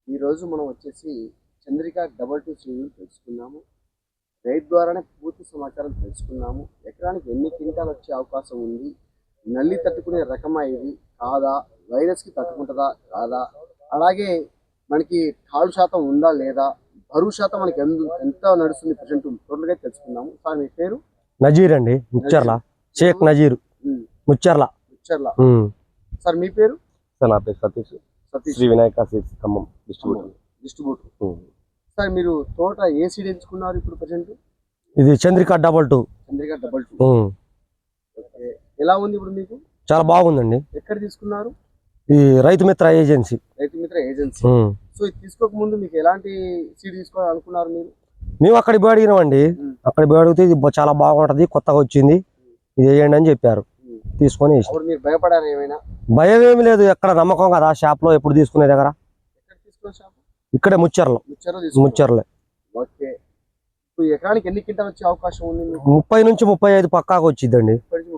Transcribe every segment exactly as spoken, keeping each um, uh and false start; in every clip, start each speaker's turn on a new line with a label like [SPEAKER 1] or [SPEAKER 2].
[SPEAKER 1] ఈరోజు మనం వచ్చేసి చంద్రిక డబల్ టూ సీడ్ని తెలుసుకున్నాము. రైతు ద్వారానే పూర్తి సమాచారం తెలుసుకున్నాము. ఎకరానికి ఎన్ని క్వింటాలు వచ్చే అవకాశం ఉంది, నల్లి తట్టుకునే రకమా ఇది కాదా, వైరస్కి తట్టుకుంటుందా కాదా, అలాగే మనకి తాడు శాతం ఉందా లేదా, బరువు శాతం మనకి ఎంత నడుస్తుంది ప్రజెంట్ టోటల్గా తెలుసుకున్నాము. సార్ మీ పేరు?
[SPEAKER 2] నజీర్ అండి, ముచ్చర్ల. షేక్ నజీర్, ముచ్చర్ల.
[SPEAKER 1] ముచ్చర్ల. సార్ మీ పేరు?
[SPEAKER 2] సార్ నా పేరు Satish. Satish Sri Vinayaka seeds Khammam distributor.
[SPEAKER 1] Distributor. Sir మీరు తోట ఏ సీడ్ ఎంచుకున్నారు ఇప్పుడు ప్రజెంట్?
[SPEAKER 2] ఇది Chandrika double two.
[SPEAKER 1] Chandrika double two. Okay, ఎలా ఉంది ఇప్పుడు మీకు?
[SPEAKER 2] చాలా బాగుందండి.
[SPEAKER 1] ఎక్కడ తీసుకున్నారు?
[SPEAKER 2] ఈ రైతు మిత్ర ఏజెన్సీ.
[SPEAKER 1] రైతు మిత్ర ఏజెన్సీ. సో ఇది తీసుకోక ముందు మీకు ఎలాంటి సీడ్ తీసుకోవాలనుకున్నారు మీరు?
[SPEAKER 2] మేము అక్కడికి పోయి అడిగినామండి. అక్కడికి పోయి అడిగితే ఇది చాలా బాగుంటది, కొత్తగా వచ్చింది, ఇది వేయండి అని చెప్పారు. తీసుకొని
[SPEAKER 1] మీరు భయపడారు ఏమైనా?
[SPEAKER 2] భయం ఏమి లేదు, ఎక్కడ నమ్మకం కదా షాప్ లో ఎప్పుడు తీసుకునే దగ్గర. ఇక్కడే ముచ్చర్లో. ముచ్చర్లే.
[SPEAKER 1] ఓకే, ఎకరానికి ఎన్ని క్వింటాలు వచ్చే అవకాశం ఉంది?
[SPEAKER 2] ముప్పై నుంచి ముప్పై ఐదు పక్కాగా వచ్చిందండి.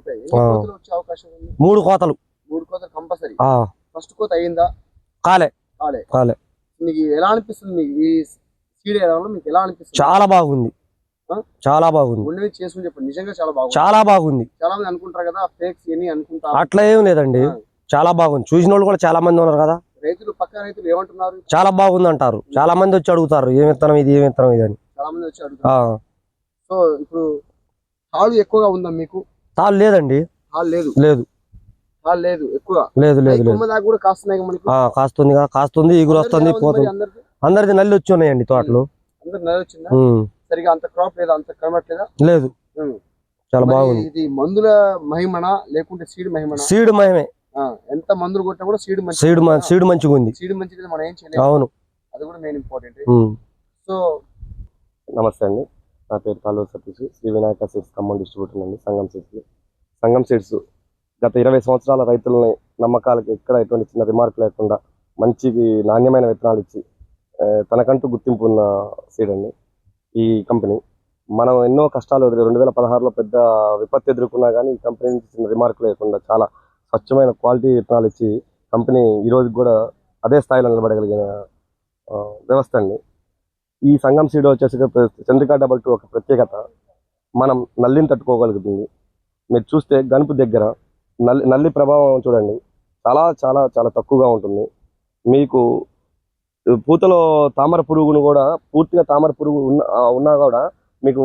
[SPEAKER 2] మూడు కోతలు.
[SPEAKER 1] మూడు కోతలు కంపల్సరీ. ఫస్ట్ కోత అయిందా?
[SPEAKER 2] కాలే.
[SPEAKER 1] కాలే.
[SPEAKER 2] కాలే.
[SPEAKER 1] మీకు ఎలా అనిపిస్తుంది? మీకు ఈ సీడ్ వేయడంలో మీకు ఎలా అనిపిస్తుంది?
[SPEAKER 2] చాలా బాగుంది, చాలా బాగుంది.
[SPEAKER 1] ఉండేది చేసుకుని చెప్పండి, నిజంగా చాలా బాగుంది.
[SPEAKER 2] చాలా బాగుంది.
[SPEAKER 1] చాలా మంది అనుకుంటారు కదా ఫేక్స్ అని అనుకుంటారు.
[SPEAKER 2] అట్లా ఏం లేదండి, చాలా బాగుంది. చూసిన వాళ్ళు కూడా చాలా మంది ఉన్నారు కదా.
[SPEAKER 1] రైతులు పక్క రైతులు ఏమంటున్నారు?
[SPEAKER 2] చాలా బాగుంది అంటారు. చాలా మంది వచ్చి అడుగుతారు ఏం విత్తనం ఇది, ఏం విత్తనం ఇది అని.
[SPEAKER 1] చాలా మంది వచ్చి అడుగుతారు. సో ఇప్పుడు తాళ్ళు ఎక్కువగా ఉందా మీకు?
[SPEAKER 2] తాళ్ళు లేదండి.
[SPEAKER 1] తాళ్ళు లేదు.
[SPEAKER 2] లేదు.
[SPEAKER 1] తాళ్ళు లేదు ఎక్కువ.
[SPEAKER 2] లేదు లేదు లేదు.
[SPEAKER 1] కూడా కాస్తున్నాయి మనకి.
[SPEAKER 2] కాస్తుంది కాస్తుంది, ఈగురు వస్తుంది, పోతుంది. అందరిది నల్లి వచ్చి ఉన్నాయండి తోటలు.
[SPEAKER 1] అందరు నల్లి వచ్చిందా? సరిగా అంత క్రాప్ లేదా, అంత కనబట్లేదా?
[SPEAKER 2] లేదు. చాలా బాగుంది.
[SPEAKER 1] ఇది మందుల మహిమనా లేకుంటే సీడ్ మహిమనా?
[SPEAKER 2] సీడ్ మహిమే.
[SPEAKER 1] ఎంత మందులు కొట్టినా కూడా సీడ్ మంచి
[SPEAKER 2] సీడ్ సీడ్ మంచిగా ఉంది.
[SPEAKER 1] సీడ్ మంచిది, మనం ఏం చేయలేము.
[SPEAKER 2] అవును,
[SPEAKER 1] అది కూడా మెయిన్ ఇంపార్టెంట్. సో
[SPEAKER 2] నమస్తే అండి, నా పేరు కాలూరు సతీష్. శ్రీ వినాయక సీడ్స్ ఖమ్మం డిస్ట్రిబ్యూటర్ అండి. సంగం సీడ్స్. సంగం సీడ్స్ గత ఇరవై సంవత్సరాల రైతులని నమ్మకాలకి ఎక్కడ ఎటువంటి చిన్న రిమార్క్ లేకుండా మంచి నాణ్యమైన విత్తనాలు ఇచ్చి తనకంటూ గుర్తింపు ఉన్న సీడ్ అండి ఈ కంపెనీ. మనం ఎన్నో కష్టాలు ఎదురు రెండు వేల పదహారులో పెద్ద విపత్తు ఎదుర్కొన్నా కానీ ఈ కంపెనీ నుంచి చిన్న రిమార్క్ లేకుండా చాలా స్వచ్ఛమైన క్వాలిటీ విత్తనాలు ఇచ్చి కంపెనీ ఈరోజు కూడా అదే స్థాయిలో నిలబడగలిగిన వ్యవస్థ అండి ఈ సంగం సీడ్. వచ్చేసి చంద్రిక డబల్ టూ ఒక ప్రత్యేకత, మనం నల్లిని తట్టుకోగలుగుతుంది. మీరు చూస్తే గనుపు దగ్గర నల్లి నల్లి ప్రభావం చూడండి, చాలా చాలా చాలా తక్కువగా ఉంటుంది. మీకు పూతలో తామర పురుగును కూడా పూర్తిగా తామర పురుగు ఉన్న ఉన్నా కూడా మీకు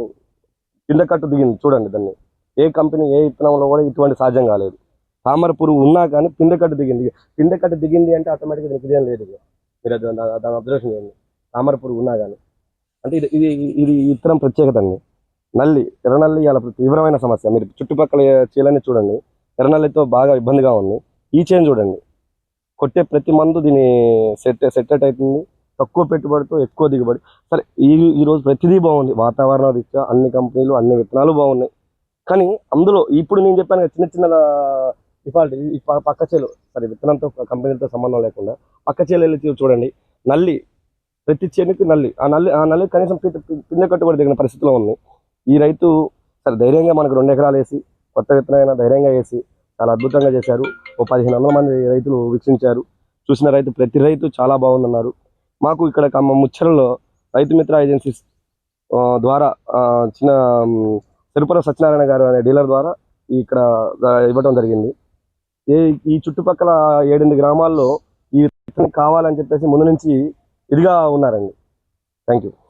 [SPEAKER 2] కింద కట్టు దిగింది చూడండి. దాన్ని ఏ కంపెనీ ఏ విత్తనంలో కూడా ఇటువంటి సాధ్యం కాలేదు. తామర పురుగు ఉన్నా కానీ పిందె కట్టు దిగింది. పిందె కట్టు దిగింది అంటే ఆటోమేటిక్గా దీనికి ఇదేం లేదు. మీరు దాని అబ్జర్వేషన్ చేయండి, తామర పురుగు ఉన్నా కానీ. అంటే ఇది ఇది ఇది విత్తనం ప్రత్యేకత అండి. నల్లి, ఎర్రనల్లి ఇలా తీవ్రమైన సమస్య. మీరు చుట్టుపక్కల చీలని చూడండి, ఎర్రనల్లితో బాగా ఇబ్బందిగా ఉంది. ఈ చేను చూడండి, కొట్టే ప్రతి మందు దీని సెట్ సెట్టెట్ అవుతుంది. తక్కువ పెట్టుబడితో ఎక్కువ దిగుబడి. సరే ఈ ఈరోజు ప్రతిదీ బాగుంది, వాతావరణ రీత్యా అన్ని కంపెనీలు అన్ని విత్తనాలు బాగున్నాయి. కానీ అందులో ఇప్పుడు నేను చెప్పాను చిన్న చిన్న డిఫాల్ట్ ఈ పక్క చేలు, సరే విత్తనంతో కంపెనీలతో సంబంధం లేకుండా పక్క చేలు వెళ్ళి చూడండి, నల్లి ప్రతి చేనుకి నల్లి. ఆ నల్లి ఆ నల్లి కనీసం పిందె కట్టుబడి దిగిన పరిస్థితిలో ఉంది. ఈ రైతు సరే ధైర్యంగా మనకు రెండు ఎకరాలు వేసి కొత్త విత్తనమైనా ధైర్యంగా వేసి చాలా అద్భుతంగా చేశారు. ఓ పదిహేను వందల మంది రైతులు వీక్షించారు. చూసిన రైతు ప్రతి రైతు చాలా బాగుందన్నారు. మాకు ఇక్కడ ఖమ్మం ముచ్చరలో రైతు మిత్ర ఏజెన్సీస్ ద్వారా చిన్న తిరుపతి సత్యనారాయణ గారు అనే డీలర్ ద్వారా ఇక్కడ ఇవ్వడం జరిగింది. ఏ ఈ చుట్టుపక్కల ఏడెనిమిది గ్రామాల్లో ఈ విత్తనం కావాలని చెప్పేసి ముందు నుంచి ఇదిగా ఉన్నారండి. Thank you.